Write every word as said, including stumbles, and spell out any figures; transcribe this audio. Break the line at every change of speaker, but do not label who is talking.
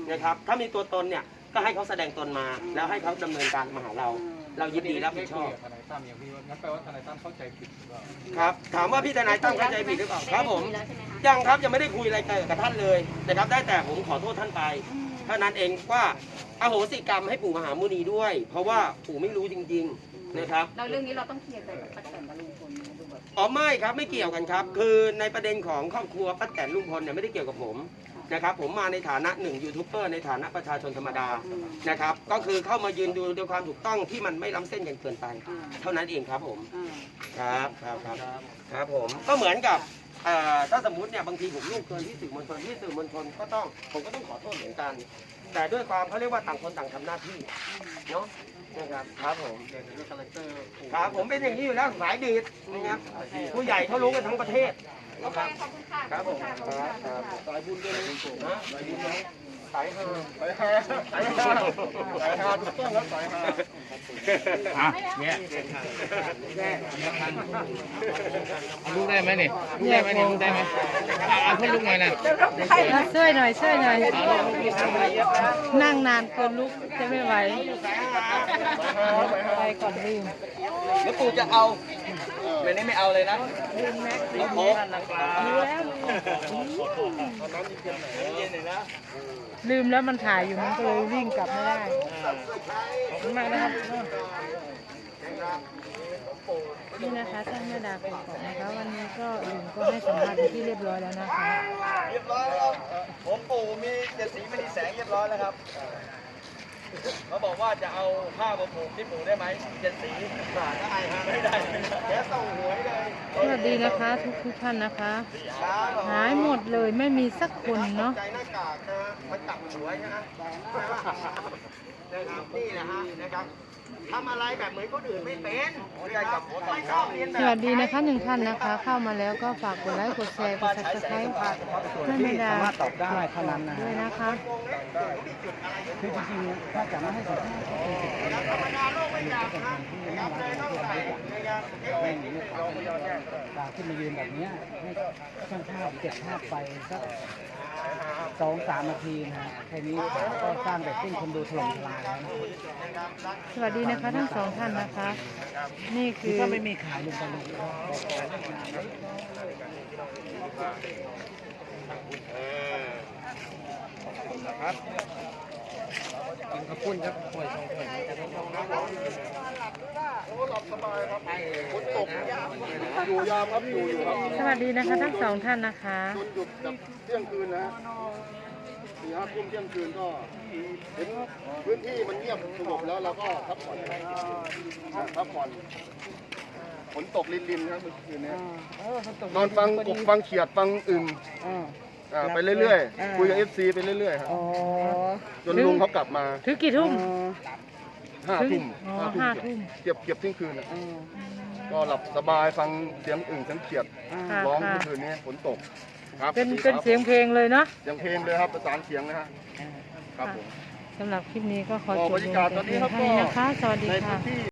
นะครับถ้ามีตัวตนเนี่ยก็ให้เขาแสดงตนมาแล้วให้เขาดำเนินการมาหาเราเรายินดีรับผิดชอบ
ทนายตั้มอย่างพี่ว่างั้นแปลว่าทนายตั้มเข้าใจผิดหรือเปล่า
ครับถามว่าพี่ทนายตั้มเข้าใจผิดหรือเปล่าครับผมยังครับยังไม่ได้คุยอะไรกับท่านเลยนะครับได้แต่ผมขอโทษท่านไปเท่านั้นเองว่าอโหสิกรรมให้ปู่มหามุนีด้วย เพราะว่าปู่ไม่รู้จริงๆนะครับ
เราเรื่องนี้เราต้องเคลียร์ใจกับป้าแตนกับลุงพลดูแบบ
อ๋อไม่ครับไม่เกี่ยวกันครับคือในประเด็นของครอบครัวป้าแตนลุงพลเนี่ยไม่ได้เกี่ยวกับผมนะครับผมมาในฐานะหนึ่งยูทูบเบอร์ในฐานะประชาชนธรรมดานะครับก็คือเข้ามายืนดูด้วยความถูกต้องที่มันไม่ล้ำเส้นกันเกินไปเท่านั้นเองครับผมครับครับครับครับผมก็เหมือนกับถ้าสมมติเนี่ยบางทีผมล่วงเกินที่สื่อมวลชนที่สื่อมวลชนก็ต้องผมก็ต้องขอโทษเหมือนกันแต่ด้วยความเขาเรียกว่าต่างคนต่างทำหน้าที่เนาะนะครับครับผมครับผมเป็นอย่างนี้อยู่แล้วสายดีดนะครับผู้ใหญ่เขารู้กันทั้งประเทศ
โอเคขอบคุณค่ะ
ครับผมครับครับสายบุญด้วยนะสายบุญนะสายฮาสายฮาสายฮาสายฮาถูกต้องแล้วสายฮา
อ่ะเนี่ยลูกได้ไหมนี่ลูกได้ไหมนี่ลูกได้ไหมเอาเพื่อนลูกหน่อยนะ
ช่วยหน่อยช่วยหน่อยนั่งนานเกินลุกจะไม่ไหวไปก่อนลืม
แล้วปู่จะเอาแบบนี้ไม่เอาเลยนะลืมโค้
ลืมแล้วมันถ่ายอยู่มันก็เลยวิ่งกลับไม่ได้ขอบคุณมากนะครับนี่นะคะท่านแม่ดาของผมนะคะวันนี้ก็ลุงก็ให้สัมภาษณ์ที่เรียบร้อยแล้วนะคะ
เรียบร้อยแล้วผมปู่มีเจ็ดสีมณีแสงเรียบร้อยแล้วครับเขาบอกว่าจะเอาผ้ามาผูกที่ปู่ได้ไหมเจ็ดสีขาดได้ฮะไม่ได้แค่ส่งหวยเลย
สวัสดีนะคะทุกทุกท่านนะคะหายหมดเลยไม่มีสักคนเนาะ
ใจหน้ากากนะมันตักหวยนะนะครับนี่นะฮะนะครับทำอะไรแบบเหมือนคนอื่นไม่เป็นไม่ชอบเรียนแบบ
สวัสดีนะคะหนึ่งท่านนะคะเข้ามาแล้วก็ฝากกดไลค์กดแชร์กดซับสไครต์ให้แม่ดา
สามารถตอบได้เท่านั้นนะ
ด้วยนะคะ
คือจริงๆถ้าจะไม่ให้สัมภาษณ์ก็เป็นสิทธิ์
ธรรมดาโลกไม่อยากนะนะครับเลยต้องใส่นะครับ
ไม่มีลูกค้าขึ้นมายืนแบบนี้ให้ช่างภาพเก็บภาพไปสักสองสามนาทีนะฮะแค่นี้ก็สร้างแบบติ้งคนดูถล่มทลายแล้วนะ
สวัสดีนะคะทั้งสองท่านนะคะนี่คือ
ถ้าไม่มีขายลุงตะลุง
ครับ
กินข้าวปุ้นครับป่วยสองป่วย
โอ้หลับสบายครับฝนตกอยู่ยามครับอยู่อยู่ครับ
สวัสดีนะคะทั้งสองท่านนะคะ
จนหยุดแบบเที่ยงคืนนะสี่ห้าทุ่มเที่ยงคืนก็เห็นพื้นที่มันเงียบสงบแล้วเราก็พักผ่อนพักผ่อนฝนตกรินๆครับเมื่อคืนนี้นอนฟังกบฟังเขียดฟังอึ่งไปเรื่อยๆคุยกับเอฟซีไปเรื่อยๆครับจนลุงเขากลับมา
ถึงกี่ทุ่ม
ห้าทุ่ม
ห้าทุ่ม
เก็บเก็บเที่ยงคืนก็หลับสบายฟังเสียงอึ่งเสียงเขียดร้องเมื่อคืนนี้ฝนตกครับ
เป็นเป็นเสียงเพลงเลยเนาะ
เสียงเพลงเลยครับประสานเสียงนะฮะครับผม
สำหรับคลิปนี้ก็ขอจบลงแต่เพียงเท่านี้นะคะสวัสดีค่ะ